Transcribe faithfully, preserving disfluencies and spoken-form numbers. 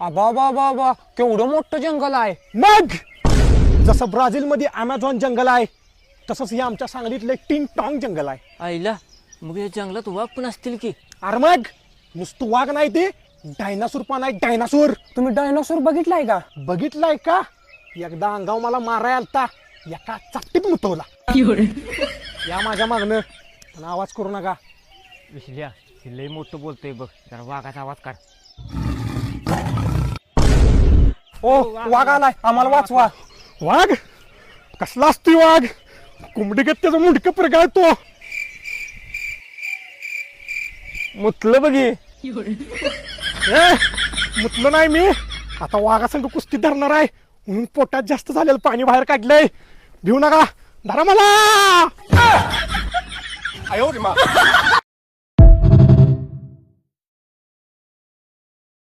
आबा बाबा बा केवढं मोठं जंगल आहे. मग जसं ब्राझील मध्ये अमेझॉन जंगल आहे तसंच हे आमच्या सांगलीतलं टिंग टॉंग जंगल आहे. आईला मग या जंगलात वाघ पण असतील की. अरे मग नुसतं वाघ नाही ते डायनासोर पण आहे. डायनासोर तुम्ही डायनोसॉर बघितलाय का? बघितलाय का? एकदा अंगाव मला माराय आलता एका चापटीत मुतवला. या माझ्या मागणं पण आवाज करू नका. विसल्या हे लय मोठं बोलतोय बघ, जरा वाघाचा आवाज काढ. ओ वाघ आलाय, आम्हाला वाचवा. वाघ कसला असतोय वाघ? कोंबडीगत त्याचं मुंडकं प्रगाळतो. मुतलं बघी. ए मुतलं नाही मी. आता वाघासंग कुस्ती धरणार आहे म्हणून पोटात जास्त झालेलं पाणी बाहेर काढलंय. भिऊ नका, धरा मला.